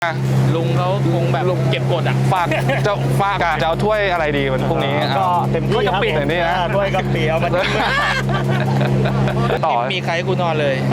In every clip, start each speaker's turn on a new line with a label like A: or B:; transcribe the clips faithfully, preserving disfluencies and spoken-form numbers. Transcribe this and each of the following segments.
A: ลุงเขาคงแบบเก็บกดอ่ะฝากเจ้าฝากจะเอาถ้วยอะไรดีวันพรุ่งนี้
B: ก็เต็มที่ครับ
A: เต็มที่นะ
B: ด้วยกะปิเอามาทิ้ง
A: ต่อมีใครกูนอนเลย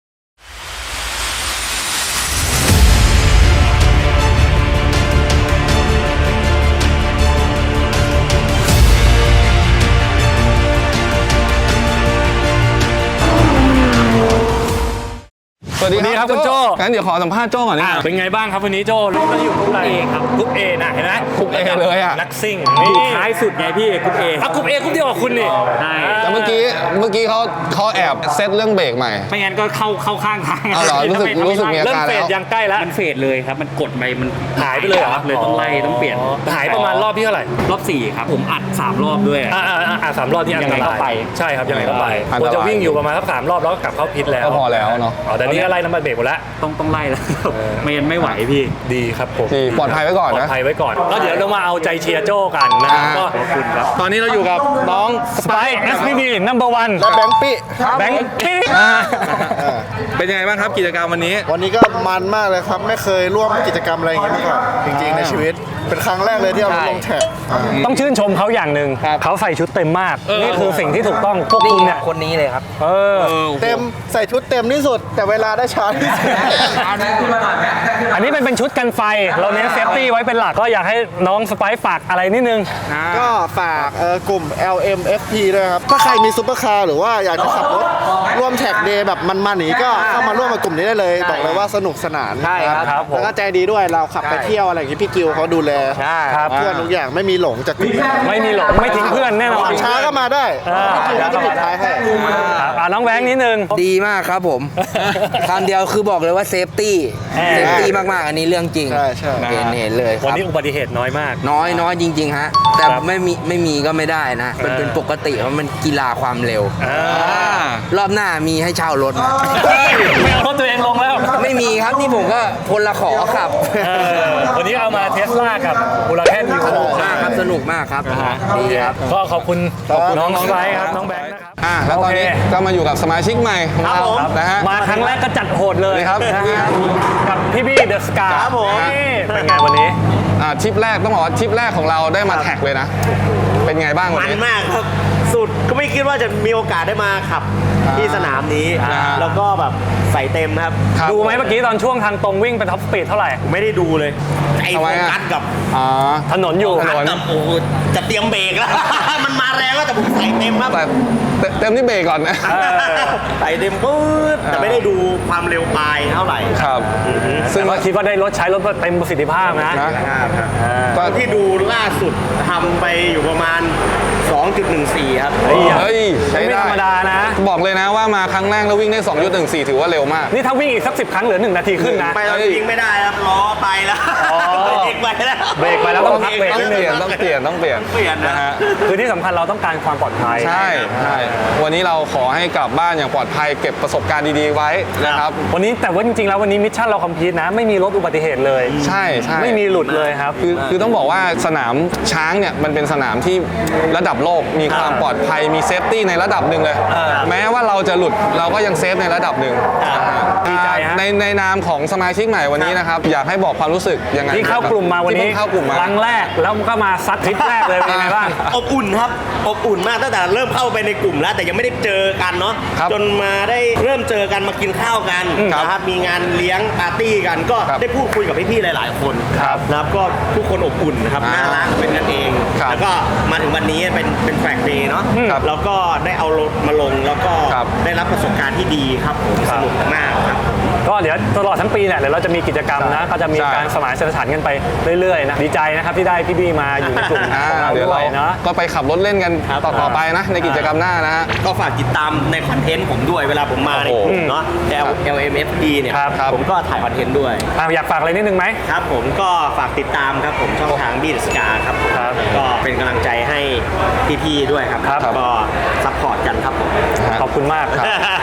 A: สวัสดีครับคุณโจ้งั้นเดี๋ยวขอสัมภาษณ์โจ้ก่อนนะ
B: เป็นไงบ้างครับวันนี้โจ้รู้กันอยู่กรุ๊ปเอครับกรุ๊ปเอนะเห็นไหม
A: กรุ๊ปเอเลยอ่ะ
B: นักซิ่งอยู่ท้ายสุดไงพี่กรุ๊ปเออ่ะกรุ๊ปเอกรุ๊ปเดียวกับคุณนี่ใช่
A: แต่เมื่อกี้เมื่อกี้เขาเขาแอบเซตเรื่องเบรกใหม่
B: ไม่งั้นก็เข้าเข้าข้างทาง
A: อ๋อเหรอรู้สึกรู้สึกมีอาการแล้ว
B: เริ่มเฟดยังใกล้แล้ว
C: มันเฟดเลยครับมันกดไปมัน
B: หายไปเลยเหรอ
C: เลยต้องไล่ต้องเปลี่ยน
B: หายประมาณรอบที่เท่าไหร่
C: รอบสี่ครับผมอัดสามรอบด้วย
B: อ่าอ่าสามรอบที่อันตราย
C: ยังไงก็ไป
B: ใช่ครับยังไงก็ไปควรจะวิ่งอยู่ประมาณสักสามรอบแล้วก็กลับเข้าพิษแล้ว
A: ก็พอแล้วเนาะ
B: อ๋อแต่นี่ก็ไล่น้ำมันเบรกหมดแล้ว
C: ต้องต้องไล่แล้วไม่งั้นไม่ไหวพี่
B: ดีครับผม
A: ปลอดภัยไว้ก่อนนะ
B: ปลอดภัยไว้ก่อนก็เดี๋ยวเรามาเอาใจเชียร์โจ้กันนะครับก็
C: ขอบคุณครับ
A: ตอนนี้เราอยู่กับน้อง
B: สไปซ์ เอส พี บี number one
D: และแบงค์ปี้
B: แบงค์ปี้
A: เป็นยังไงบ้างครับกิจกรรมวันนี้
D: วันนี้ก็มันมากเลยครับไม่เคยร่วมกิจกรรมอะไรอย่างนี้มาก่อนจริงๆในชีวิตเป็นครั้งแรกเลยที่เอาลงแท็ก
B: ต้องชื่นชมเขาอย่างหนึ่งเขาใส่ชุดเต็มมากนี่คือสิ่งที่ถูกต้องพวกคุณเนี่ย
C: คนนี้เลยครับ
B: เออ
D: เต็มใส่ชุดเต็มที่สุดแต่เวลาได้ช้าที่สุด
B: อันนี้เป็นเป็นชุดกันไฟเราเน้นเซฟตี้ไว้เป็นหลักก็อยากให้น้องสไปซ์ฝากอะไรนิดนึง
D: ก็ฝากกลุ่ม แอล เอ็ม เอฟ พี ด้วยครับถ้าใครมีซุปเปอร์คาร์หรือว่าอยากจะขับรถร่วมแท็กเดย์แบบมันๆนี้ก็เข้ามาร่วมกับกลุ่มนี้ได้เลยบอกเลยว่าสนุกสนาน
C: ใช่ครับ
D: แล้วก็ใจดีด้วยเราขับไปเที่ยวอะไรอย่างนี้พี่กิวเขาดูแลเพื่อนทุกอย่างไม่มีหลงจาก
B: ไม่มีหลงไม่ทิ้งเพื่อนแน่นอน
D: ช้าก็มาได้พี่กิวจะปิดท้ายให้
B: น้องแบงค์นิดนึง
C: ดีมากครับผมคำเดียวคือบอกเลยว่าเซฟตี้เซฟตี้มากๆอันนี้เรื่องจริงเห็นเห็นเลย
B: วันนี้อุบัติเหตุน้อยมาก
C: น้อยน้อยจริงๆฮะแต่ไม่มีไม่มีก็ไม่ได้นะมันเป็นปกติเพราะมันกีฬาความเร็วรอบหน้ามีให้เช่ารถนะ
B: ไม่เอารถตัวเองลงแล้ว
C: ไม่มีครับนี่ผมก็พลละขอขับ
B: วันนี้เอามาเทสลากับบูราแคนอยู่
C: สนุกมากครับสนุกมากครับดีครับ
B: ก็ขอบคุณน้องไบร์ทครับน้องแบงค์นะครับ
A: อ่าแล้วตอนนี้ก็มาอยู่กับสมาชิกใหม่ของเรานะฮะ
B: มาครั้งแรกก็จัดโหดเลย
A: ครับ
B: กับพี่บี้เดอะสกาครับผมเป็นไงวันนี้
A: อ่าทริปแรกต้องบอกว่าทริปแรกของเราได้มาแท็กเลยนะเป็นไงบ้างวันนี้
E: มันมากครับสุดก็ไม่คิดว่าจะมีโอกาสได้มาขับที่สนามนี้แล้วก็แบบใส่เต็มครับ
B: ดูไหมเมื่อกี้ตอนช่วงทางตรงวิ่งไปท็อปสปีดเท่าไหร่
E: ไม่ได้ดูเลยไอ้โฟกัสกับ
B: ถนนอยู่
E: ถนนกับโอ้จะเตรียมเบรกแล้วมันมาแรงแล้วแต่ผมใส่เต็มครับ
A: แต่เต็มที่เบรกก่อนนะ
E: ใส่เต็มปุ๊บแต่ไม่ได้ดูความเร็วปลายเท่าไหร่
A: ครับ
B: ซึ่งว่าคิดว่าได้รถใช้รถเต็มประสิทธิภาพนะ
E: ตอนที่ดูล่าสุดทำไปอยู่ประมาณ สองจุดหนึ่งสี่ ครับ
A: เฮ้ยใช้ได้
B: ไม่ธรรมดานะ
A: บอกเลยนะว่ามาครั้งแรกแล้ววิ่งได้ สองจุดหนึ่งสี่ ถือว่าเร็วมาก
B: นี่ถ้าวิ่งอีกสักสิบครั้งเหลือหนึ่งนาทีขึ้นนะ
E: ไปแล้ววิ่งไม่ได้ครับล้อไปแล้วเบรกไปแล้ว
B: เบรกไปแล้วต้องพักเบรก
A: ต้องเปลี่ยนต้องเปลี่ยนต้องเปลี่ยน
E: เปลี่ยนนะฮะ
B: คือที่สำคัญเราต้องการความปลอดภัย
A: ใช่ใช่วันนี้เราขอให้กลับบ้านอย่างปลอดภัยเก็บประสบการณ์ดีๆไว้นะครับ
B: วันนี้แต่ว่าจริงๆแล้ววันนี้มิชชั่นเราคอมพลีทนะไม่มีรถอุบัติเหตุเลย
A: ใช่ใช่
B: ไม่มีหลุดเลยครับ
A: คือคือต้องบอกว่าสนามช้างเนี่ยมันเป็นสนามที่ระดับโลกมีความปลอดภัยมีเซฟตี้ในระดับหนึ่งเลยแม้ว่าเราจะหลุดเราก็ยังเซฟในระดับหนึ่ง
B: ดีใจฮะ
A: ในในนามของสมาชิกใหม่วันนี้นะครับอยากให้บอกความรู้สึกยังไง
B: ที่เข้ากลุ่มมาวันนี้
A: เข้ากลุ่มมา
B: ครั้งแรกแล้วก็มาซัดทริปแรกเลยเป็นไงบ้าง
E: อบอุ่นครับอบอุ่นมากตั้งแต่เริ่มเข้าไปในกลุ่มแล้วแต่ยังไม่ได้เจอกันเนาะจนมาได้เริ่มเจอกันมากินข้าวกันนะครับมีงานเลี้ยงปาร์ตี้กันก็ได้พูดคุยกับพี่ๆหลายๆคนนะครับก็ทุกคนอบอุ่นนะครับน่ารักเป็นกันเองแล้วก็มาถึงวันนี้เป็นเป็นแฟกเดย์เนาะแล้วก็ได้เอารถมาลงแล้วก็ได้รับประสบการณ์ที่ดีครับผมสนุกมากครับ
B: ก็เดี๋ยวตลอดทั้งปีเนี่ยเดี๋ยวเราจะมีกิจกรรมนะก็จะมีการสมานสถานกันไปเรื่อยๆนะดีใจนะครับที่ได้พี่บี้มาอยู่ในกลุ่มของเราด้วยเนาะ
A: ก็ไปขับรถเล่นกันต่อไปนะในกิจกรรมหน้านะฮะ
E: ก็ฝากติดตามในคอนเทนต์ผมด้วยเวลาผมมาในกลุ่มเนาะ แอล เอ็ม เอฟ พี เนี่ยผมก็ถ่ายคอนเทนต์ด้วย
B: อยากฝากอะไรนิดนึงไหม
E: ครับผมก็ฝากติดตามครับผมช่องทางบี้เดอะสกาครับก็เป็นกำลังใจให้พี่ๆด้วยครับก็ซัพพอร์ตกันครับผม
B: ขอบคุณมากครับขอบคุณ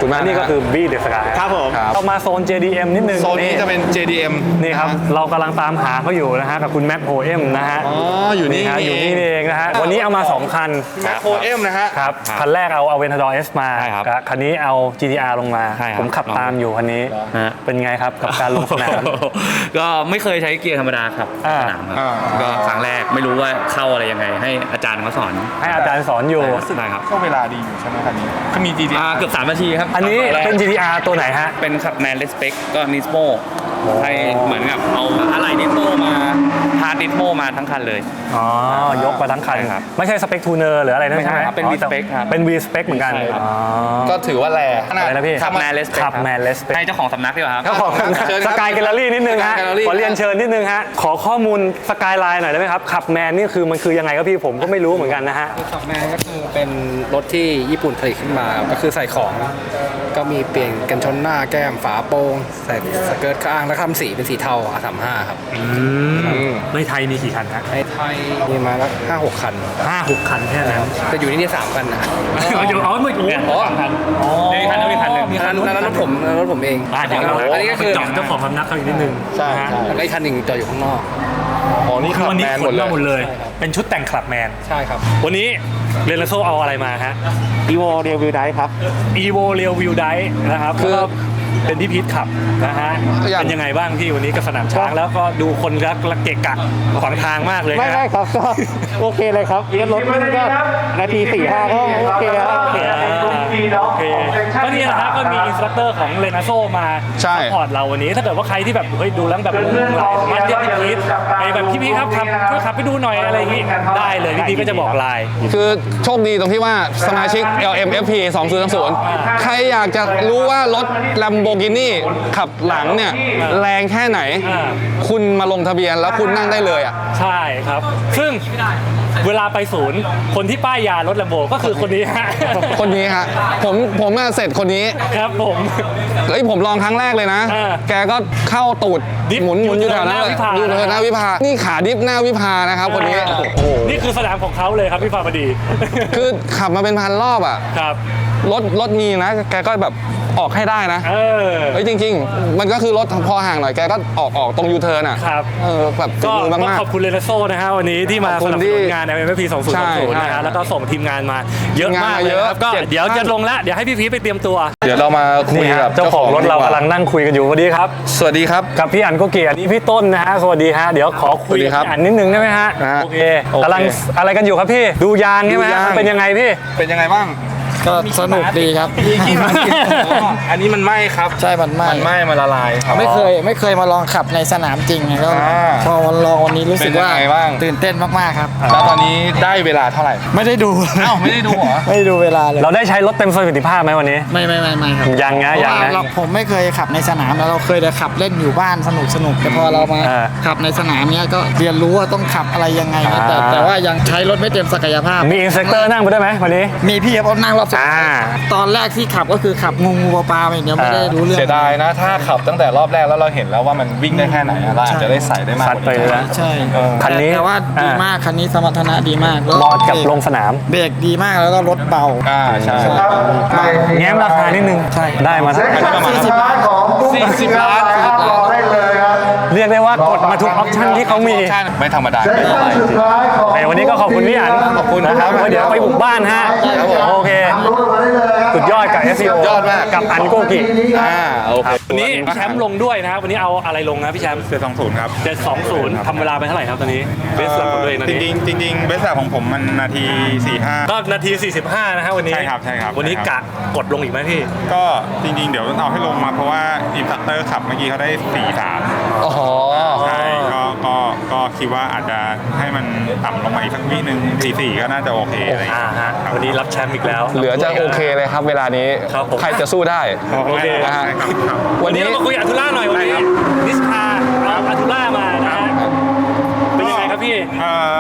A: คุณมาก
B: และนี่ก็คือ B The Sky
E: ครับผม
A: ครับ
B: เรามาโซน เจ ดี เอ็ม นิดนึง
A: โซนนี้จะเป็น เจ ดี เอ็ม
B: นี่ครับเรากำลังตามหาเขาอยู่นะฮะกับคุณแม็กโฮเอ็มนะฮะ
A: อ๋ออยู่นี่
B: ฮะอยู่นี่เองนะฮะวันนี้เอามาสองคัน
A: แมคโครเอ็มนะฮะ
B: ครับคันแรกเอาเอาเวนทาดอร์ เอส มา
F: ใช่ครับ
B: กับคันนี้เอา จี ที อาร์ ลงมา
F: ใช่ครับ
B: ผมขับตามอยู่คันนี้
F: ฮะ
B: เป็นไงครับกับการลงสนาม
F: ก็ไม่เคยใช้เกียร์ธรรมดาครับ
B: อ่า
F: สนามครับ
A: อ่า
F: ก็ครั้งแรกไม่รู้ว่าเข้าอะไรยังไง ให้อาจารย์เขาสอน
B: ให้อาจารย์สอนอยู่
F: ใช่ครับ
A: ช่วงเวลาดีอยู่ใช่ไหมคันนี้ก็มี จี ที
F: อ่าเกือบสามนาทีครับ
B: อันนี้เป็น จี ที อาร์ ตัวไหนฮะ
F: เป็นขับแมนเลสเปกก็นิสโมให้เหมือนกับเอาอะไหล่นิสโมมาพาร์ทนิสโมมาทั้งคันเลย
B: อ๋อ ยกมาทั้งคัน
F: ใช่ครับ
B: ไม่ใช่สเปคทูเนอร์หรืออะไรนั่น
F: ไม่ใช่
B: ใช่ไหม
F: ครับเป็น V-Spec ครับ
B: เป็น V Spec เหมือนกัน
F: ใช่ครับ
B: อ๋อ
A: ก็ถือว่าแรง
B: อะไรนะพี่
F: ขับแมนเลสเปก
B: ขับแมนเลสเปค
F: ให้เจ้าของสำนักดีกว่าครับ
B: เจ้าของ
A: เชิญค
B: ส
A: รับ
B: กายแกลเลอรี่นิดนึงฮะ
A: Sky Gallery
B: ขอเรียนเชิญนิดนึงฮะ ขอข้อมูลสกายไลน์หน่อยได้ไหมครับ ขับแมนนี่คือมันคือยังไงครับพี่ผมก็ไม่รู้เหมือนกันนะฮะ
G: ขับแมนก็คือเป็นรถที่ญี่ปุ่นผลิตขึ้นมาก็คือใส่ของ ก็มีเปลี่ยนกันชนหน้าแก้มฝาโปร่งใส่สเกิร์ตข้างแล้วทำสีเป็นสีเทา อาร์ สามสิบห้า ครับ
B: ในไทยมีกี่คันฮะ
G: ในไทยมีมาแล้วห้าหกคัน
B: ห้าหกคันแค่นั้น
G: แต่อยู่ที่นี่สามคันนะ
B: เดี๋ยวอ๋อไม่โอ้
F: เนี่ย
B: โห
F: สองคันมีคันนึงมีคันหนึ่ง
B: มี
G: คั
B: คั
G: น
B: น
G: นั้นรถผมนั้นรถผมเอง
B: อ่าเดี๋ยว
G: อันนี้ก็คือ
B: เจาะเจ้าของสำนักเขาอีกนิดนึง
A: ใช่
B: นะฮะ
A: ใช่
G: แล้วก็อีกคันหนึ่งจอดอยู่ข้างนอก
A: อ๋อนี่
B: คื
A: ขั
B: อบ วันนี้
A: แมน
B: ข
A: หม
B: น
A: ดเล
B: มาย หมดเลย เป็นชุดแต่งคลับแมน
G: ใช่ครับ
B: วันนี้เรนโซเอาอะไรมาฮะ
E: อีโวเรียวิวได้ครับ
B: Evo Real View Drive นะครับ
A: คือ
B: แล้วก็เป็นพี่พีทขับนะฮะ
A: อยาก
B: เป็นยังไงบ้างพี่วันนี้กับสนามช้างแล้วก็ดูคนรักละเกะกะขวางทางมากเลย
E: ไม่
B: นะ
E: ไม่ครับก็โอเคเลยครับเรียนรถวิ่งก็นาทีสี่ห้าก็โอเคแล้ว
B: โอเคโอเคก็นี่แหละครับก็มีอินสตรัคเตอร์ของเรนโซมา
A: ใช่
B: ซัพพอร์ตเราวันนี้ถ้าเกิดว่าใครที่แบบเฮ้ยดูแล้วแบบงงๆไหลสามารถเรียกพี่พีทไปแบบพี่พีทครับขับช่วยขับไปดูหน่อยอะไรอย่างงี้ได้เลยพี่พีทก็จะบอกไลน์
A: คือโชคดีตรงที่ว่าสมาชิก แอล เอ็ม เอฟ พี สองศูนย์สองศูนย์ใครอยากจะรู้ว่ารถ Lamborghini ขับหลังเนี่ยแรงแค่ไหน
B: อ่า
A: คุณมาลงทะเบียนแล้วคุณนั่งได้เลยอ่ะ
B: ใช่ครับ ซึ่งเวลาไปศูนย์คนที่ป้ายยารถแลมโบก็คือคนนี้ฮะ
A: คนนี้ฮะผมผมอะเสร็จคนนี้
B: ครับผม
A: เฮ้ยผมลองครั้งแรกเลยนะ
B: เออ
A: แกก็เข้าตูด
B: ดิฟ
A: หมุนหมุนอยู่แถวนั้นเลย
B: ยู
A: อยู่
B: เทิร์นหน้าวิภา
A: แถวหน้าวิภา นี่ขาดิฟหน้าวิภานะครับคนนี้ โอ้โห
B: นี่คือสนามของเขาเลยครับพี่ฟาบดี
A: คือขับมาเป็นพันรอบอ่ะ
B: ครับ
A: รถรถมีนะ แกก็แบบออกให้ได้นะ
B: เออ
A: เฮ้ยจริง ๆ มันก็คือรถพอห่างหน่อยแกก็ออกออกตรงยูเทิร์นอ่ะ
B: ครับ
A: เออแบบ
B: ก็
A: มือ
B: ก็
A: มาก
B: ขอบคุณเรนโซนะฮะวันนี้ที่มา
A: ขอบคุ
B: ส
A: ณ
B: นับส
A: ที่
B: นุนงาน เอ็ม เอฟ พี สองศูนย์สองศูนย์
A: ใช่
B: นะฮะ
A: ใช่
B: แล้วก็ส่งทีมงานมาเยอะมาก
A: ทีมงานมา
B: เลย
A: เยอะ
B: ครับก็
A: เจ็ด
B: เดี๋ยว
A: ท่าน
B: จะลงแล้วเดี๋ยวให้พี่พีทไปเตรียมตัว
A: ๆ เดี๋ยวเรามาคุย
B: นี่
A: กั
B: ฮะ
A: บ
B: เจ้าของรถเรา
A: ดีว่
B: กำลังนั่งคุยกันอยู่พอดีครับ
A: สวัสดีครับ
B: กับพี่อันโกเกียรตินี่พี่ต้นนะฮะสวัสดีฮะเดี๋ยวขอคุย
A: สวัสดี
B: กับ
A: ครับ
B: พี่อันนิดนึงได้ไหมฮะ
A: นะฮะ
B: โอเค
A: โอเค
B: กำลังอะไรกันอยู่ครับพี่ดูยางใช่ไหม
A: ดูยาง
B: มันเป็นยังไงพี่
A: เป็นยังไงบ้าง
G: ก็สนุกดีครับ
A: อันนี้มันไหม้ครับ
G: ใช่มันไหม้
A: มันไหม้มันละลายครับ
G: ไม่เคยไม่เคยมาลองขับในสนามจริงไงก็
A: อ่า
G: พอวันลองวันนี้รู้สึกว่า
A: เป็นยังไงบ้าง
G: ตื่นเต้นมากๆครับ
A: แล้วตอนนี้ได้เวลาเท่าไหร่
G: ไม่ได้ดู
A: อ้าวไม่ได้ดูเหรอ
G: ไม่ได้ดูเวลาเลย
B: เราได้ใช้รถเต็มประสิทธิภาพไหมวันนี้
G: ไม่ไม่ไม่ไม่ครับ
B: ยังนะยังนะ
G: เพราะว่าเราผมไม่เคยขับในสนามแล้วเราเคยแต่ขับเล่นอยู่บ้านสนุกสนุกแต่พอเรามา
B: อ่า
G: ขับในสนามเนี้ยก็เรียนรู้ว่าต้องขับอะไรยังไงนะแต่
B: อ่า
G: แต่ว่ายังใช้รถไม่เต็มศักยภาพ
B: มีอินสตรัคเตอร์นั่งไปด้วยไหมวันนี้
G: มีพี่ครับนั่งรอบสุด
B: อ่า
G: ตอนแรกที่ขับก็คือขับงูงูปลาๆไปอย่างเดียวไม่ได้รู้เรื่อง
A: เสียดายนะ ถ้าขับตั้งแต่รอบแรกแล้วเราเห็นแล้วว่ามันวิ่งได้แค่ไหนอะเราอาจจะได้ใส่ได้มาก
B: ซัด
A: กว่า
B: ไป
A: นี้
B: เลยนะ
G: ใช่
A: เออ
B: คันนี้
G: แต่ว่าดี
B: อ่าม
G: มากคันนี้สมรรถนะดีมากแล้ว
B: เหมาะกับลงสนาม
G: เบรกดีมากแล้วก็รถเบา
A: อ่าใช่
B: แง้มราคานิดนึง
G: ใช่
B: ได้มาสัก
G: สี่สิบล้านของ
A: สี่สิบล้าน
B: เรียกได้ว่ากดมาทุกออปชั่นที่เขามี
A: ไม่ธรรมดาไม่ธรรมดาจริง
B: ในวันนี้ก็ขอบคุณพี่อัน
A: ขอบคุณ
B: นะครับ
A: ครับ
B: เดี๋ยวไปบุกบ้านฮะ
A: ครับผม
B: โอเคสุดยอดกับ เอส ซี โอ
A: ยอดมาก
B: กับอันโกกิ
A: อ่าโอเค
B: วันนี้แชมป์ลงด้วยนะครับวันนี้เอาอะไรลงนะพี่แชมป์
H: เจ็ดสองศูนย์ครับ
B: เจ็ดสองศูนย์ทำเวลาไปเท่าไหร่ครับตอนนี้เบสหลักของตัวเองตอน
H: จ
B: นี้
H: ริงๆจริงๆเบสแรกของผมมันนาทีสี่ห้า
B: ก็นาที สี่สิบห้า นะฮะวันนี้
H: ใช่ครับใช่ครับ
B: วันนี้
H: ใช่ครั
B: กะ
H: บ
B: กดลงอีกไหมพี่
H: ก็จริงๆ เดี๋ยวเอาให้ลงมาเพราะว่าอินสตรัคเตอร์ขับเมื่อกี้เขาได้สี่สาม
A: อ๋อ
H: ใช่ก็ก็ก็คิดว่าอาจจะให้มันต่ำลงมาอีกสักวิหนึ่งสี่สี่ก็น่าจะโอเคอะไรอย่าง
B: อ่า
H: เงี้ย
B: ฮะ
H: ครับ
B: วันนี้รับแชมป์อีกแล้ว
A: เหลือจะโอเคเลยครับเวลานี้
B: ครับผม
A: ใครจะสู้ได้
B: โอเค
A: นะฮะ
H: ใช่ครับครับ
B: วันนี้เรามาคุยอัตุล่าหน่อยวันนี้นิสคาเอาอัตุล่ามานะฮะเป็นยังไงครับพี่
H: เอ่อจริง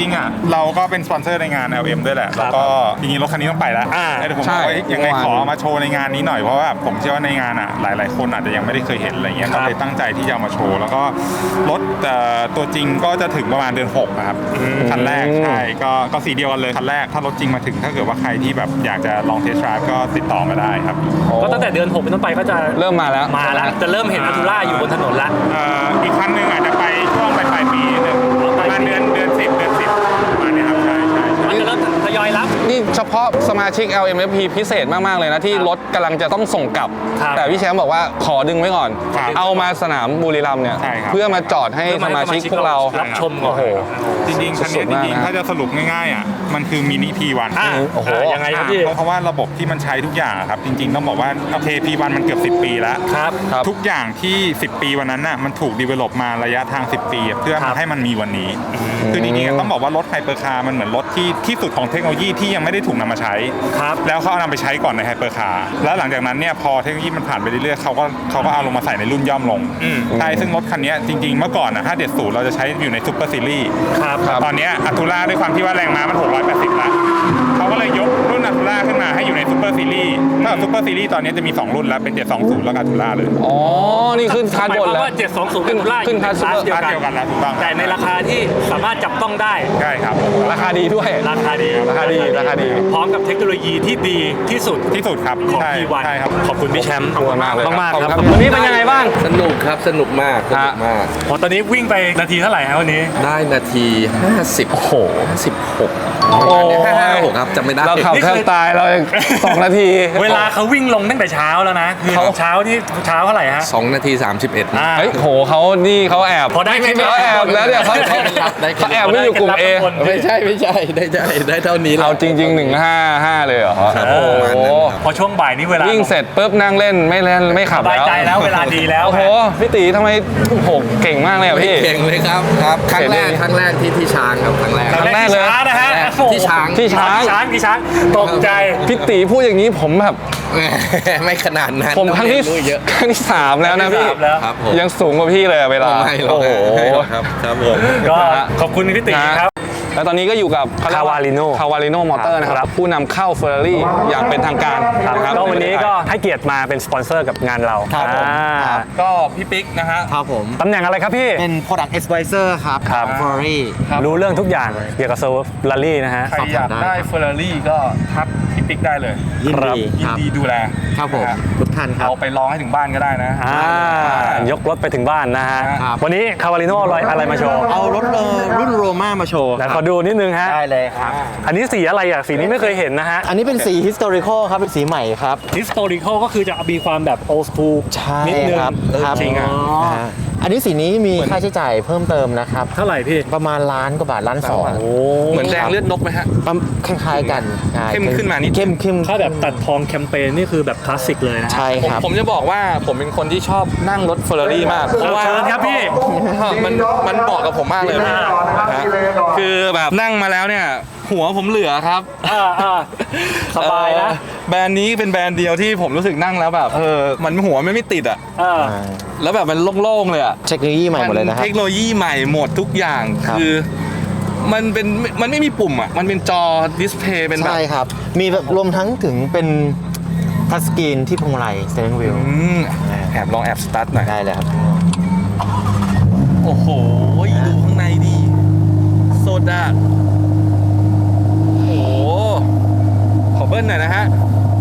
H: งๆอ่ะเราก็เป็นสปอนเซอร์ในงาน แอล เอ็ม ด้วยแหละแล้วก็จริงๆรถคันนี้ต้องไปแล้ว
B: อ่า
H: แต่ผม
A: ใช่
H: บอกว่ายังไงขอมาโชว์ในงานนี้หน่อยเพราะว่าผมเชื่อว่าในงานอ่ะหลายๆคนอาจจะยังไม่ได้เคยเห็นอะไรเงี้ยก็เลยตั้งใจที่จะเอามาโชว์แล้วก็รถเอ่อตัวจริงก็จะถึงประมาณเดือนหกนะครับคันแรกใช่ก็ก็สีเดียวกันเลยคันแรกถ้ารถจริงมาถึงถ้าเกิดว่าใครที่แบบอยากจะลองเทสต์ไดรฟ์ก็ติดต่อมาได้ครับ
B: ก็ตั้งแต่เดือนหกเป็นต้นไปก็จะ
A: เริ่มมาแล้ว
B: มาแล้วจะเริ่มเห็นอัลตูร่าอยู่บนถนนละ
H: เอ่ออีกคันหนึ่งอาจจะไปช่วงปลายปลายปีหนึ่งประมาณเดือนเดือนสิบเดือนสิบประมาณนี้ครับใช่ใช่ใช่
B: มันจะเริ่มทยอยรับ
A: นี่เฉพาะสมาชิก แอล เอ็ม เอฟ พี พิเศษมาก ๆ เลยนะที่รถกำลังจะต้องส่งกลับ
B: ครับ
A: แต่พี่แชมป์บอกว่าขอดึงไว้ก่อน
H: ครับ
A: เอามาสนามบุรีรัมย์เนี่ย
H: ใช่ครับ
A: เพื่อมาจอดให้สมาชิกพวกเรา
B: รับชมก่อน
A: โอ้โห
H: จริงๆคันนี้
A: สุดๆ
H: จริง
A: มากนะ
H: ๆถ้าจะสรุปง่ายๆอ่ะมันคือมินิ พี วัน
B: อ่า
A: โอ้โห
B: อ่ายังไงครับพี่
H: เพราะว่าระบบที่มันใช้ทุกอย่างอะครับจริงๆต้องบอกว่าโอเค พี วัน มันเกือบสิบปีแล้ว
B: ครับ
A: ครับ
H: ทุกอย่างที่สิบปีวันนั้นน่ะมันถูกดีเวล็อปมาระยะทางสิบปีเพื่อ
B: ครั
H: มา
B: บ
H: ให้มันมีวันนี้ คือจริงๆต้องบอกว่ารถไฮเปอร์คาร์มันเหมือนรถที่ที่สุดของเทคโนโลยีที่ยังไม่ได้ถูกนำมาใช้
B: ครับ
H: แล้วเขาเอานำไปใช้ก่อนในไฮเปอร์คาร์แล้วหลังจากนั้นเนี่ยพอเทคโนโลยีมันผ่านไปเรื่อยๆเขาก็เขาก็เอาลงมาใส่ในรุ่นย่อมลงใช่ซึ่งรถคันนี้จริงๆเมื่อก่อนนะห้าเจ็ดศูนย์เราจะใช้อยู่ในซูเปอร์ซีรีส์
B: ครับ
H: ตอนเนี้ยอัลตูร่าด้วยความที่ว่าแรงม้ามันหกร้อยแปดสิบแล้วเขาก็เลยยกรุ่นอัลตูร่าขึ้นมาให้อยู่ในซูเปอร์ซีรีส์ถ้าซูเปอร์ซีรีส์ตอนนี้จะมีสองรุ่นแล้วเป็นเจ็ดสองศูนย์แล้วก็อัลตูร่าเลย
A: อ๋อ นี่ขึ้นคาร์ด
B: หมาย
A: บ
B: คน วาม
A: แล้ว
B: ว่าเจ็ดสองศูนย์กับอัลตูร่า
A: ขึ้น
B: อยู่ใน
A: คาร์ด
B: คลาสเดียว
H: คลาส
B: กัน
H: เดียวกันแล้วถูกต้อง
B: แต่ในราคาที่สามารถจับต้องได้
H: ใช่ครับ
A: ราคาดีด้วย
B: ราคาดี
A: ราคาดีราคาดี
B: พร้อมกับเทคโนโลยีที่ดีที่สุด
H: ที่สุดครับ
B: ของ
H: ใช่
B: พี วัน
H: ใช่ครับ
B: ขอบคุณพี่แชมป์
A: ขอบคุณมากเลย
B: มากๆ
A: ขอบ
B: ค
A: คุ
B: รับ
A: ณครับ
B: วันนี้เป็นยังไงบ้าง
C: สนุกครับสนุกมากสนุกมาก
B: พอตอนนี้วิ่งไปนาทีเท่าไหร่ฮะวันนี้
C: ได้นาที ห้าสิบ โอ้โหห้าสิบหก
A: โอ้ย
C: ห้าห้าหกครับจำไม่ได้
A: เราขับแทบตายเรายังสองนาที
B: เวลาเขาวิ่งลงตั้งแต่เช้าแล้วนะคือ
A: เขา
B: เช้าที่เช้าเท่าไหร่ฮะ
C: สองนาทีสามสิบเอ็ด
B: อ่า
A: เฮ้ยโหเขานี่เขาแอบ
B: พอได้ไหม
A: เขาแอบแล้วเนี่ยเขาเขาเขาแอบไม่อยู่กลุ่ม A
C: ไม่ใช่ไม่ใช่ได้ได้ได้เท่านี้แหละ
A: เอาจริง ๆ หนึ่งห้าห้าเลยเหรอ
C: ครับ
A: โอ้
C: ประมาณนั้น
A: โห
C: ครับ
B: พอช่วงบ่ายนี้เวลา
A: วิ่งเสร็จปุ๊บนั่งเล่นไม่เล่นไม่ขับ
B: สบายใจแล้วเวลาดีแล้ว
A: โอ้โหพี่ตีทำไมโอ้โหเก่งมากเลยอ่ะพี่
C: เก่งเลยครับครับครั้งแรกครั้งแรกที่ที่ช้างครับครั้งแรก
B: ครั้งแรกที่ช้างนะฮะ
C: ที่ช้าง
A: ที่ช้าง
B: ช้างที่ช้างตกใจ
A: พี่ตีพูดอย่างนี้ผมแบบ
C: ไม่ขนาดนั้น
A: ผมครั้งที่
C: ต้องเรียนรู้เยอะ
A: ครั้งที่สามแล้วนะพี่
B: ครั้งที่สามแล้ว
C: ครับผม
A: ยังสูงกว่าพี่เลยอะเวลา
C: ไม่หรอก
A: โอ้โห
C: ไม่หรอกครับครับผม
B: ก็ขอบคุณพี่ติครับ
A: แล้วตอนนี้ก็อยู่กับ
B: Cavalino
A: คาวาลิโนมอเตอร์นะครับผู้นำเข้าเฟอร์รารี่อย่างเป็นทางการนะครับ
B: ก็วันนี้ก็ให้เกียรติมาเป็นสปอนเซอร์กับงานเรา
D: ครับผม
B: อ่า
D: ครับ
A: ก็พี่ปิ๊กนะฮะ
D: ครับผม
B: ตำแหน่งอะไรครับพี่
D: เป็น Product Advisor ครับ
B: ครับ
D: ของ Ferrari
B: รู้เรื่องทุกอย่างเกี่ยวกับเซอร์ลารี่นะฮะ
H: ใครอยากได้เฟอร์รารี่ก็ทักพี่ปิ๊กได้เลย
D: ยิน
B: ครับ
D: ดี
H: ยิ
D: คน รับ
H: ดีดูแล
D: ครับผม
H: นะฮะ
D: ทุกท่านครับ
H: เอาไปลองให้ถึงบ้านก็ได้นะ
B: อ่ายกรถไปถึงบ้านนะฮะ
D: ครับ
B: วันนี้คาวาลิโนอะไรมาโชว์
D: เอารถเอ่อรุ่นโรม่ามาโชว์
B: ไหนขอดูนิดนึงฮะ
D: ได้เลยครับ
B: อันนี้สีอะไรอ่ะ สีนี้ไม่เคยเห็นนะฮะ
D: อันนี้เป็นสี historical ครับ เป็นสีใหม่ครับ
B: historical ก็คือจะมีความแบบ old school
D: ใช่
B: นิดนึง
D: ครับ
B: เออ
D: ครับ
B: จริงอ่ะ
D: าอันนี้สีนี้มีค่าใช้จ่ายเพิ่มเติมนะครับ
B: เท่าไหร่พี่
D: ประมาณล้านกว่าบาทล้านสอง
B: โอ้
A: เหมือนแดงเลือดนกไหมฮะ
D: ประมาณคล้ายๆกันใช่
A: เข้มขึ้นมานิด
D: เข้มเข้ม
B: ถ้าแบบตัดทองแคมเปญนี่คือแบบคลาสสิกเลยนะ
D: ใช่
A: ผม
D: ครับ
A: ผมจะบอกว่าผมเป็นคนที่ชอบนั่งรถเฟอร์รารี่มากเพราะว่า
B: เชิญครับพี่
A: มันมันเหมาะกับผมมากเลยนะฮะคือแบบนั่งมาแล้วเนี่ย หัวผมเหลือครับ
B: อ่าอ่าสบายนะ
A: เออแบรนด์นี้เป็นแบรนด์เดียวที่ผมรู้สึกนั่งแล้วแบบเออมันหัวไม่ไม่ติดอ่ะ
B: อ่า
A: แล้วแบบมันโล่งๆเลยอ่ะ
D: เทคโนโลยีใหม่หมดเลยนะครับ
A: เทคโนโลยีใหม่หมดทุกอย่าง
D: ครับ
A: คือมันเป็นมันไม่มีปุ่มอ่ะมันเป็นจอดิสเพย์เป็นแบบ
D: ใช่ครับ มีแบบรวมทั้งถึงเป็นทัชสกรีนที่พวงมาลัย steering wheel
A: อืมแอบลองแอบสตาร์ทหน่อย
D: ได้เลยครับ
A: โอ้โหดูข้างในดิโซดาโอ้โหขอเบิ้ลหน่อยนะฮะ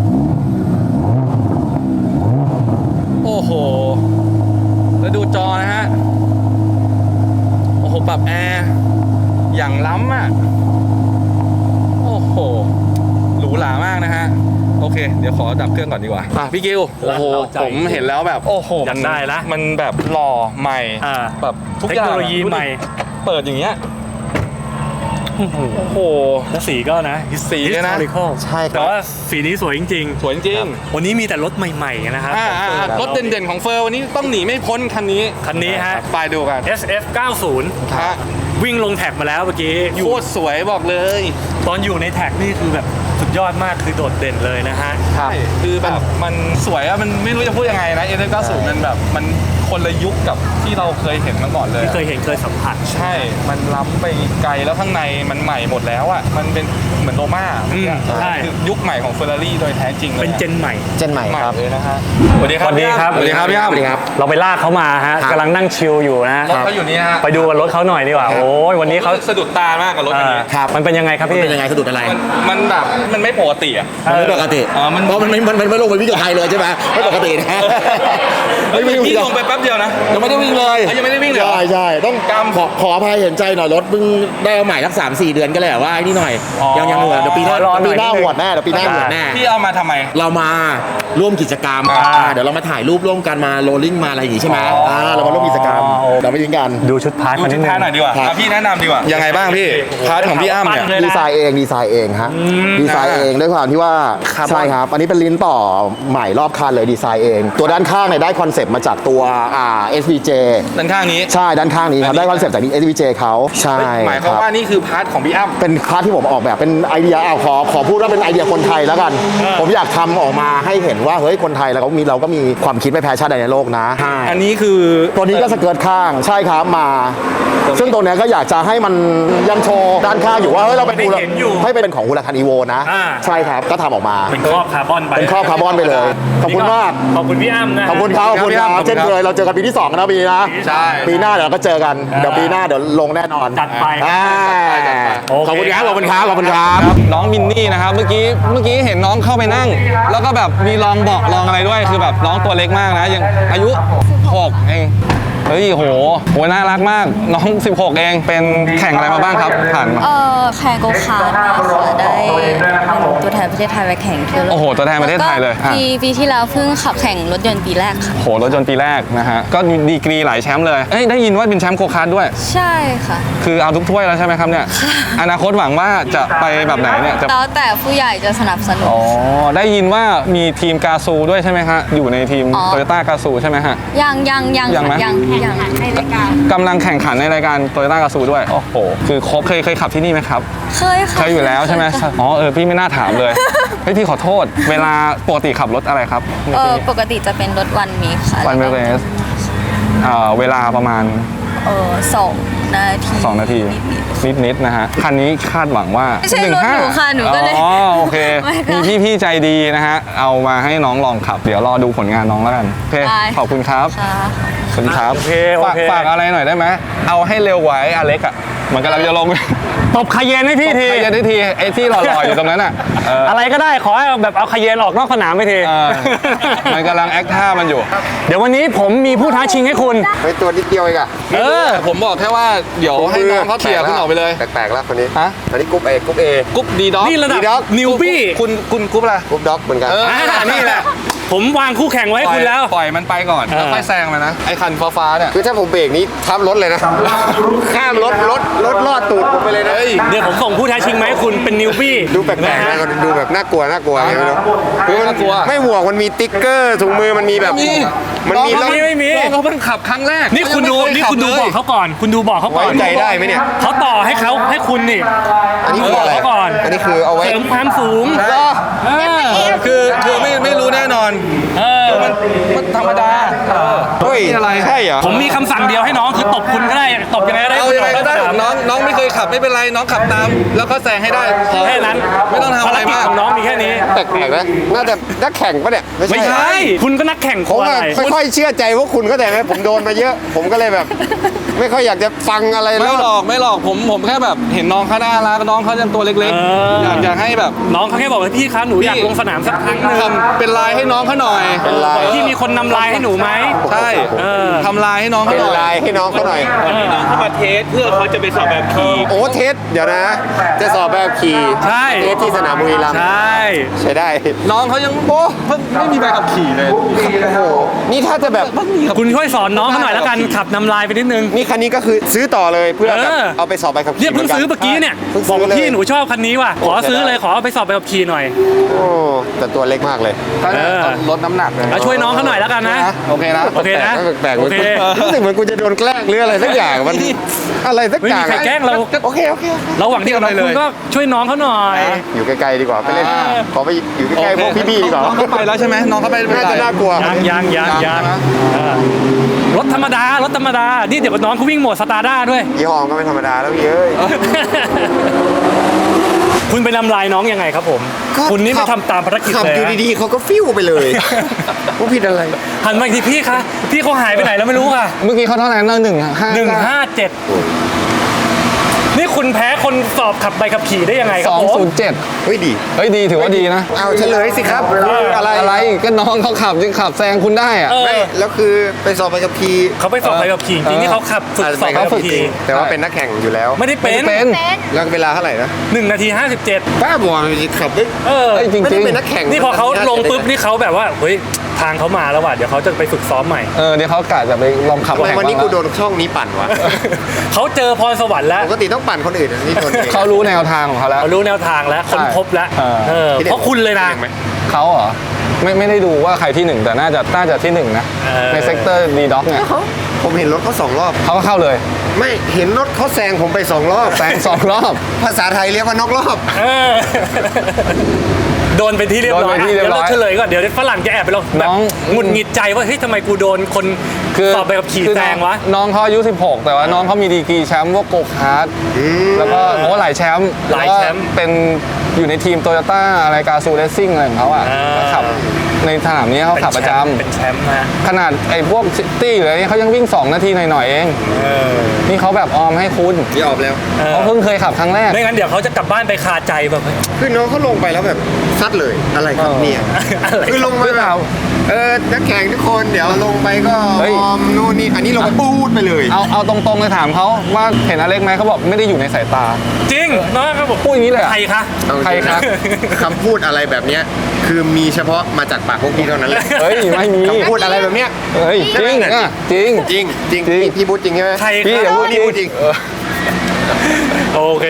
A: โอ้โหแล้วดูจอนะฮะโอ้โหปรับแอร์อย่างล้ำอ่ะโอ้โหหรูหรามากนะฮะโอเคเดี๋ยวขอดับเครื่องก่อนดีกว่าอ่ะพี่กิวโอ้โห
B: เราใจ
A: ผมเห็นแล้วแบบโอ้โห
B: อยากได้ละ
A: มันแบบหล่อใหม่
B: อ่า
A: แบบทุก
B: เท
A: อ
B: ค
A: ย่าง
B: โนโลยีใหม่
A: เปิดอย่างเงี้ยโอ้โห
B: แล้วสีก็นะ
A: สีเนี่ยนะ
B: historical
D: ใช่ครับ
B: แต่ว่าสีนี้สวยจริง
A: สวยจริง
B: ๆ วันนี้มีแต่รถใหม่ๆนะครับ
A: อ่าอ่าอ่ารถเด่นๆของเฟอร์วันนี้ต้องหนีไม่พ้นคันนี้
B: คันนี้ฮะ
A: ไปดูกัน
B: เอส เอฟ เก้าสิบ
A: ฮะ
B: วิ่งลงแท็กมาแล้วเมื่อกี้อยู่
A: โคตรสวยบอกเลย
B: ตอนอยู่ในแท็กนี่คือแบบสุดยอดมากคือโดดเด่นเลยนะฮะ
D: ครับ
A: คือแบบมันสวยอะมันไม่รู้จะพูดยังไงนะเอเก้าสิบมันแบบมันโคคนละยุคกับที่เราเคยเห็นมาก่อนเลย
B: ที่เคยเห็นเคยสัมผัส
A: ใช่ มันล้ำไปไกลแล้วข้างในมันใหม่หมดแล้วอ่ะมันเป็นเหมือนโรม่า
B: อืมใช่
A: คือยุคใหม่ของเฟอร์รารี่โดยแท้จริงเลย
B: เป็นเจนใหม่
C: เจนใหม่
A: ใหม่
C: ครับ
A: เลยนะฮะสวัสดี
B: สวัสดีครับ
A: สวัสดีครับพี่อ้ำ
C: สวัสดีครับ
B: เราไปลากเขามาฮะ
C: ครับ
B: กำลังนั่งชิลอยู่นะ
A: รถเขาอยู่นี่ฮะ
B: ไปดูรถเขาหน่อยดีกว่า โอ้ยวันนี้เขา
A: สะดุดตามากกับรถคันนี้
C: ครับ
B: มันเป็นยังไงครับพี่
C: เป็นยังไงสะดุดอะไร
A: มันมันแบบมันไม่ปกติอ่ะ
C: มันไม่ปกติ
A: อ๋อมัน
C: เพราะมันไม่มันมันไม่ลงไปวิ่งกับใครเลยใช่ไหมไม่ปกตินะ
A: เฮ้ยพี่ลงไปแป๊บเดียวนะ
C: ยังไม่ได้วิ่งเลย
A: เอ้ยยังไม่ได้วิ่งเลยเหรอ
C: ใช่ใช่ต้อง
A: กำ
C: ขอขออภัยเห็นใจหน่อยรถเพิ่งได้เอาใหม่สักสามสี่เดือนก็เลยแบบว่าไอ้นี่หน่อย
A: อ๋อ
C: ยังยังหัวเดี๋ยวปีหน้า
B: ขอรอหน่
C: ปี
B: อย
C: หน้า
B: นิดนึง
C: หัวแน่เดี๋ยวปีหน้าหัวแน่
A: พี่เอามาทำไม
C: เรามาร่วมกิจกรรม
A: อ่า
C: อ่าเดี๋ยวเรามาถ่ายรูปร่วมกันมาโรลลิ่งมาอะไรอย่างงี้ใช่ไหม
A: อ๋ออ่
C: อ่าเรามาร่วมกิจกรรมเดี๋ยวไปยิงกัน
B: ดูชุดพาร์ท
A: ดู
B: มานิ
A: ชุ
B: ด
A: ด
B: นึง
A: ท้ายหน่อยดีกว่า
C: ครับ
A: อ่ะพี่แนะนำดีกว่ายังไงบ้างพี่พาร์ทของพี่อ้ำเนี่ย
B: ปั้นเลยนะ
D: ดีไซน์เองดีไซน์เองฮะดีไซน์เองด้วยความที่ว่าใช่ครับ อันนี้เป็นลิ้นต่อใหม่รอบคันเลยดีไซน์เอง ตัวด้านข้างเนี่ยได้คอนเซปต์มาจากตัวอ่า เอส วี เจ
A: ด้านข้างนี้
D: ใช่ด้านข้างนี้ครับได้คอนเซปต์จาก เอส วี เจ เขาใช่
A: หมายความ
D: ครับ
A: ว่านี่คือพาร์ทของพี่อ้ำ
D: เป็นพาร์ทที่ผมออกแบบเป็นไอเดียอ้าวขอขอพูดว่าเป็นไอเดียคนไทยแล้วกัน ผมอยากทำออกมาให้เห็นว่าเฮ้ยคนไทยเราก็มีเราก็มีความคิดไม่แพ้ชาติใดในโลกนะ
A: อันนี้คือ
D: ตัวนี้ก็สเกิร์ตข้างใช่ครับมา ซึ่งตัวเนี้ยก็อยากจะให้มันยังโชว์ด้านข้างอยู่ว่าเฮ้ยเราเป็น
B: ไม่ได้เห็นอยู่
D: ให้เป็นของฮูลาคันอีโวนะ
B: อ่า
D: ใช่ครับก็ทำออกมา
B: เป็นครอบคาร์บอนไป
D: เป็นครอบคาร์บอนไปเลย ขอบคุณมาก
B: ขอบคุณพี่อ้ำนะ
D: ขอบคุณครับขอบคุณครับเช่นเคยเราเจอกันปีที่สองนะปีนี้นะ
A: ใช่
D: ปีหน้าเดี๋ยวเราก็เจอกันเดี๋ยวปีหน้าเดี๋ยวลงแน่นอน
B: จัดไป
D: อ่า
B: โอเค
D: ขอบคุณครับขอบคุณครับขอบคุณครับ
A: น้องมินนี่นะครับเมื่อกี้เมื่อกี้เห็นน้องเข้าไปนั่ง แล้วก็แบบมีลองเบอกลองอะไรด้วยคือแบบน้องตัวเล็กมากนะยังอายุหกเองเฮ้ยโหโหน่ารักมากน้องสิบหกเองเป็นแข่งอะไรมาบ้างครับผ่านมา
I: เอ่อแข่งโกคาร์ทมาค่ะได้ตัวแทนประเทศไทยไปแข่งที่โลก
A: โอ้โหตัวแทนประเทศไทยเลย
I: แวก็
A: อ่ะ
I: ปีปีที่แล้วเพิ่งขับแข่งรถยนต์ปีแรกค่ะ
A: โหรถยนต์ปีแรกนะฮะก็ดีกรีหลายแชมป์เลยเอ้ยได้ยินว่าเป็นแชมป์โคคาร์ทด้วย
I: ใช่ค่ะ
A: คือเอาทุกถ้วยแล้วใช่ไหมครับเนี่ยอนาคตหวังว่าจะไปแบบไหนเนี่ยจะ
I: แล้วแต่ผู้ใหญ่จะสนับสนุน
A: อ๋อได้ยินว่ามีทีมกาซูด้วยใช่ไหมฮะอยู่ในทีม
I: อ๋อ
A: โตโยต้ากาซูใช่ไหมฮะ
I: ยังยังยัง
A: ยังไหม
I: ยังยังในรายการ
A: กำลังแข่งขันในรายการโตโยต้ากาซูด้วยโอ้โหคือครบเคยเคยขับที่นี่ไหมครับ
I: เคยค่ะ
A: เคยอยู่แล้วใช่ไหมอ๋อเออพี่ไม่น่าถามเลยเฮ้ยพี่ขอโทษ เวลาปกติขับรถอะไรครับ
I: เออปกติจะเป็นรถวันมีค่ะ
A: วันเวสเวลาประมาณ
I: เออสองนาที
A: สองนาที นิดๆนะฮะคันนี้คาดหวังว่า
I: ไม่ใช่รถหนูค่ะหนูก็เลย
A: อ๋อโอเค
I: ไม่ค่ะ
A: มีพี่ๆใจดีนะฮะเอามาให้น้องลองขับ เดี๋ยวรอดูผลงานน้องแล้วกันโอเค
I: ได้
A: ขอบคุณครับ
I: ค่ะ
A: ขอบคุณครับ
B: โอเคโอ
A: ฝาก
B: เค
A: ฝากอะไรหน่อยได้ไหมเอาให้เร็วไว้อเล็กอ่ะมันกำลังจะลง
B: ตบคาเยนให้พี่ที
A: ใครจะได้ทีไอ้ที่หล่อๆอยู่ตรงนั้นอ่ะเออ
B: อะไรก็ได้ขอให้แบบเอาคาเยนออกนอกสนามไปที
A: เออมันกำลังแอคท่ามันอยู่
B: เดี๋ยววันนี้ผมมีผู้ท้าชิงให้คุณ
C: ไปตัวนิดเดียวเองอะ
A: เออ ผมบอกแค่ว่าเดี๋ยวให้น้องเขาเขี่ยคุณออกไปเลย
C: แปลกๆแล้วคนนี้
A: ฮะ
C: อันนี้กรุ๊ปเอกรุ๊ปเอ
A: กุ๊บดีด็อก
B: นี่ระดับ
C: D-Dog
B: นิวบี้
A: คุณคุณกุ๊บอะไร
C: กรุ๊ปด็อกเหมือนกัน
A: เออ
B: อ่านี่แหละ ผมวางคู่แข่งไว้ให้คุณแล้ว
A: ปล่อยมันไปก่อน
B: เออ
A: แล้วค่อยแซงมันนะ ไอ้คันฟ้าๆเนี่ย
C: คือถ้าผมเบรกนี้ทับรถเลยนะ ข้ามรถรถรถลอดตูดผมไปเลยนะ
B: เดี๋ยวผมส่งผู้ท้าชิงมาให้คุณเป็นนิวบี้
C: ดูแปลกๆนะดูแบบน่ากลัวน่ากลัวไงไม่รู้คือมัน
A: น่ากลัว
C: ไม่ห่วงมันมีติ๊กเกอร์ถุงมือมันมีแบบ มันมี
A: น้อง
B: ไม่มีไม่มี
A: น้องเขาเพิ่งขับครั้งแรก
B: นี่คุณดู
A: ยังไม่
B: นี่
A: เย
B: คุณดู
A: ขั
B: บอกเขาก่อน คุณดูบอกเขาก่อน
C: ไว้ใจได้ไหมเนี่ย
B: เขาต่อให้เขาให้คุณนี่
C: อันนี้คืออะไร
B: เขาก่อน
C: อันนี้คือเอาไว้
B: เสริมความสูง
A: ใช่
B: เออ
A: คือคือไม่ไม่รู้แน่นอน
B: เออ
A: มันมันธรรมดาเออ
C: เฮ้ย
A: ไม่อะไร
C: ใช่เหรอ
B: ผมมีคำสั่งเดียวให้น้องคือตบคุณก็ได้ ตบยังไงก็ได้
A: เอายังไงก็ได้น้องน้องไม่เคยขับไม่เป็นไรน้องขับตาม แล้วก็แซงให้ได้พอ
B: แค่นั้น
A: ไม่ต้องทำอะไรมาก
B: ภกิจของน้องมีแค่นี้
C: แปลกๆนะน่าจะนักแข่งปะเนี่ย
B: ไม่ใช่ คุณก็นักแข่ง
C: ผม
B: อะ
C: อะ
B: ไร
C: ไม่ค่อยเชื่อใจพวกคุณก็แต่ไหมผมโดนมาเยอะ ผมก็เลยแบบ ไม่ค่อยอยากจะฟังอะไร
A: ไม่
C: แล้ว
A: หลอกไม่หลอกผมผมแค่แบบเห็นน้องเขาน่ารักน้องเขายังตัวเล็ก
B: เออ
A: ๆ อยากอยากให้แบบ
B: น้องเขาแค่บอกว่าพี่คะหนูอยากลงสนามสักครั้งหนึ่ง
A: ทำเป็นลายให้น้องเขาหน่อย
C: เป็นลาย
B: พี่มีคนนำลายให้หนูไหม
A: ใช่
B: เออ
A: ทำลายให้น้องเขา
C: เป็น
A: หน่อย
C: ลายให้น้องเขาหน่อย
B: น้องเขามาเทสเพื่อเขาจะไปสอบแบบขี่
C: โอ้เทสเดี๋ยวนะ จะสอบแบบขี่
B: ใช่
C: เทสที่สนามบุรีรัมย์
B: ใช่
C: ใช้ได้
A: น้องเขายังโอ้เพิ่งไม่มีใบขับขี่เลย
C: โอ้โหนี่ถ้าจะแบบ
A: เพิ่งมีขับ
B: คุณช่วยสอนน้องเขาหน่อยแล้วกันขับนำลายไปนิดนึง
C: นี่คันนี้ก็คือซื้อต่อเลยเพื่อแบบ
B: เออ
C: เอาไปสอบใบขับขี่
B: เนี่ยเพิ่งซื้อ
C: หมื
B: เมื่อกี้เนี่ย
C: เพิ่ง
B: บอ
C: ซื้
B: ก
C: อ
B: ว่า
C: เลย
B: พี่หนูชอบคันนี้ว่ะขอซื้อเลยขอเอาไปสอบไปขับขี่หน่อย
C: โอ้แต่ตัวเล็กมากเลย
B: เออ
A: ลดน้ำหนักเลย
B: เอาช่วยน้องเขาหน่อยแล้วกันนะ
A: โอเคนะ
B: โอเคนะ
C: แปลกๆ
B: โอเค
C: รู้สึกเหมือนกูจะโดนแกล้งหรืออะไรสักอย่างมันอะไรสัก
B: ไม่
C: อ
B: มี
C: ย่าง
B: ใครแกล้งเรา
C: โอเคโอเคโอเค
B: ระหว่างที่กับเราคุณก็ช่วยน้องเขาหน่อย
C: อยู่ใกล้ๆดีกว่าไปเล่น
A: อ่า
C: ขอไปอยู่ใกล้ๆพวกพี่ๆดีกว่า
A: น้องเขาไปแล้วใช่ไหมน้องเขาไป
C: น่าจะน่ากลัว
B: ยังยังยังยัง
A: ใช่ไหม
B: เออรถธรรมดารถธรรมดานี่เดี๋ยวน้องเขาวิ่งโหมดสตาร์ด้าด้วย
C: ยี่ห้อก็ไม่ธรรมดาแล้วพี่เอ้ย
B: คุณไปนำลายน้องยังไงครับผม คุณนี่ไม่ทำตามภารกิจ
C: ขับ
B: เลย
C: อยู่
B: นะ
C: ดีๆเขาก็ฟิวไปเลยว่าผิดอะไร
B: หันมาอีกทีพี่คะพี่เขาหายไปไหนแล้วไม่รู้ค่ะ
A: เมื่อกี้เขาเท่าไหร่นะหนึ่งห้า
B: หนึ่งห้าเจ็ดนี่คุณแพ้คนสอบขับใบขับขี่ได้ยังไงค
A: ส
B: รับ
A: อง
B: ผม
A: ศูนย์เจ็ด
C: เฮ้ยดี
A: เฮ้ยดีถือว่าดีนะ
C: เอาเฉลยสิครับอะไร
A: อะไรก็น้องเขาขับยังขับแซงคุณได้อะ
B: เออ
C: ไม่แล้วคือไปสอบไปกับพี
B: เขาไปสอบใบขับขี่จริงๆนี่เขาขับฝึกสอบใบขับขี่
C: แต่ว่าเป็นนักแข่งอยู่แล้ว
B: ไม่ได้เป็น
A: เป็น
C: แล้วเวลาเท่าไหร่นะ
B: หนึ่งนาทีห้าสิบเจ็ด
C: ป้าบอกว่าขับได้
B: เออ
A: เฮ้ยจริง
C: ไม่
A: จริ
C: ได้
A: ง
C: เป็นนักแข่ง
B: นี่พอเขาลงปุ๊บนี่เขาแบบว่าเฮ้ยทางเขามาแล้วว่ะเดี๋ยวเขาจะไปฝึกซ้อมใหม่
A: เออเดี๋ยวเขากะจะไปลองขับ
C: ทำไม
A: แข่ง
C: วันนี้
A: บ้าง
C: กูโด
A: แล้ว
C: นช่องนี้ปั่นวะ
B: เขาเจอพรสวรรค์แล้ว
C: ปกติต้องปั่นคนอื่นอันนี่โดนเอง
A: เขารู้แนวทางของเขาแล้ว
B: เขารู้แนวทางแล้วค้นพบแล้ว
A: เออ
B: เออเพราะคุณเลยนะ
C: ห็ไหม
A: เขาเหรอไม่ไม่ได้ดูว่าใครที่หนึ่งแต่น่าจะน่าจะที่หนึ่งนะ
B: เออ
A: ในเซกเตอร์ดีด็อกเนี่ย
C: เขาผมเห็นรถเขาสองรอบ
A: เขาก็เข้าเลย
C: ไม่เห็นรถเขาแซงผมไปสองรอบ
A: แซงสองรอบ
C: ภาษาไทยเรียกว่านอกรอบ
B: เออโดนไปที่เรียบร้อย
A: โดนไปที่เรียบร้อย
B: ดี๋วเราเฉลยก่อนเดี๋ยวฝรั่งจะแอบไปลองแบบ
A: น้อง
B: หงุดหงิดใจว่าเฮ้ยทำไมกูโดนคนสอบไปกับขี่
A: คือ
B: แซงวะ
A: น้องเขาอายุสิบหกแต่ว่าน้องเขามีดีกรีแชมป์พวกโกคาร์ดแล้วก็โอ้หลายแชมป์
B: หลายแชมป์
A: วก็เป็นอยู่ในทีมโตโยต้าอะไรกาซูเรซซิ่งอะไรของเขาอ่ะ
B: อ่า
A: ก็ขับในสนามนี้เขาขับประจำ
B: เป็นแชมป์นะ
A: ขนาดไอ้พวกซิตี้หรืออะไรเงี้ยเขายังวิ่ง สอง นาทีหน่อยๆเอง
B: เออ
A: นี่เขาแบบออมให้คุณ
C: ที่ออกแล้ว
B: เออ
A: เขาเพิ่งเคยขับครั้งแรก
B: ไม่งั้นเดี๋ยวเขาจะกลับบ้านไปคาใจแบบเฮ้ย
C: คือน้องเขาลงไปแล้วแบบซัดเลยอะไรครับเนี่ย
B: อะไร
C: คือลงไปแบบเออนักแข่งทุกคนเดี๋ยวลงไปก็
A: เฮ้ย
C: ออมนู่นนี่อันนี้ลงไปปูดไปเลย
A: เอาเอาตรงๆเลยถามเขาว่าเห็นอเล็กไหมเขาบอกไม่ได้อยู่ในสายตา
B: จริงนะครับผม
A: พูดอย่างนี้เลยเหรอ
B: ใครคะ
A: ใครครับ
C: คำพูดอะไรแบบเนี้ยคือมีเฉพาะมาจากปากพวกพี่เท่านั้นแหละ
A: เฮ้ยไม่มี
C: คำพูดอะไรแบบเนี้ย
A: เฮ้ยจริงอ่ะจริง
C: จริงจริง
A: จริง
C: พี่พี่พูดจริงใช่ไหม
B: ใคร
A: พี่
B: ค
A: อย่า
B: รับ
A: พูด
C: พี่พูดจริง
A: เออ
B: โอเค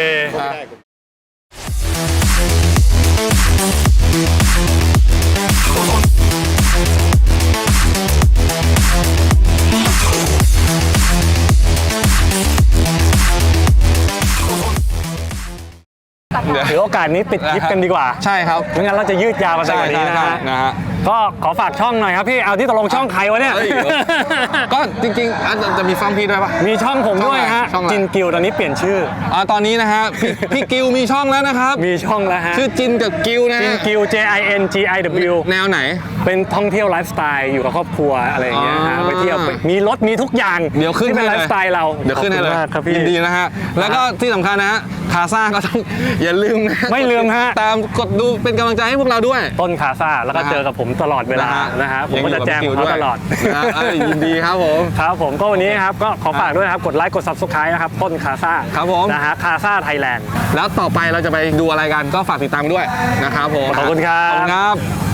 A: เดี๋ยว
B: ถือโอกาสนี้ปิดคลิปกันดีกว่า
A: ใช่ครับ
B: ไม่งั้นเราจะยืดยาวมาสัก
A: ใช่
B: กว่านี้
A: ใช่
B: นะ
A: ใช่
B: ฮะ
A: นะฮะ
B: ก็ขอฝากช่องหน่อยครับพี่ เอาที่ตกลงช่องใครวะเนี่ย
A: เฮ้ย ก็จริงๆอ่ะจะมีฟังพี่ด้วยปะ
B: มีช่องผมด้วยฮะ
A: ช่องอะไร
B: จินกิวตอนนี้เปลี่ยนชื่อ
A: อ่าตอนนี้นะฮะพี่พี่กิวมีช่องแล้วนะครับ
B: มีช่องแล้วฮะ
A: ชื่อจินกับกิวนะ
B: จิน
A: ฮะ
B: กิว J I N G I W
A: แนวไหน
B: เป็นท่องเที่ยวไลฟ์สไตล์อยู่กับครอบครัวอะไรอย่างเงี้ยฮะ
A: อ๋อ
B: ไปเที่ยวไปมีรถมีทุกอย่าง
A: เดี๋ยวขึ้น
B: ที่เป็น
A: ให้
B: ไล
A: เลย
B: ฟ์สไตล์เรา
A: เดี๋ยวขึ้นให้เลย
B: ขอบคุณมากครับพี่
A: ยินดีนะฮะ แล้วก็ที่สำคัญนะฮะคาซ่าก็ต้อง อย่าลืมนะ
B: ไม่ลืมฮะ
A: ตามกดดูเป็นกำลังใจให้พวกเราด้วย
B: ต้นคาซ่าแล้วก็เจอกับผมตลอดเวลานะฮะผมก็จะแจ้งเขาตลอด
A: นะฮะเอ้ยยินดีครับผม
B: ครับผมก็วันนี้ครับก็ขอฝากด้วยนะครับกดไลค์กด Subscribe นะครับต้นคาซ่า
A: ครับผม
B: นะฮะคาซ่าไทยแลนด์
A: แล้วต่อไปเราจะไปดูอะไรกันก็ฝากติดตามด้วยนะครับผม
B: ขอบคุณครับ
A: ขอบคุณครับ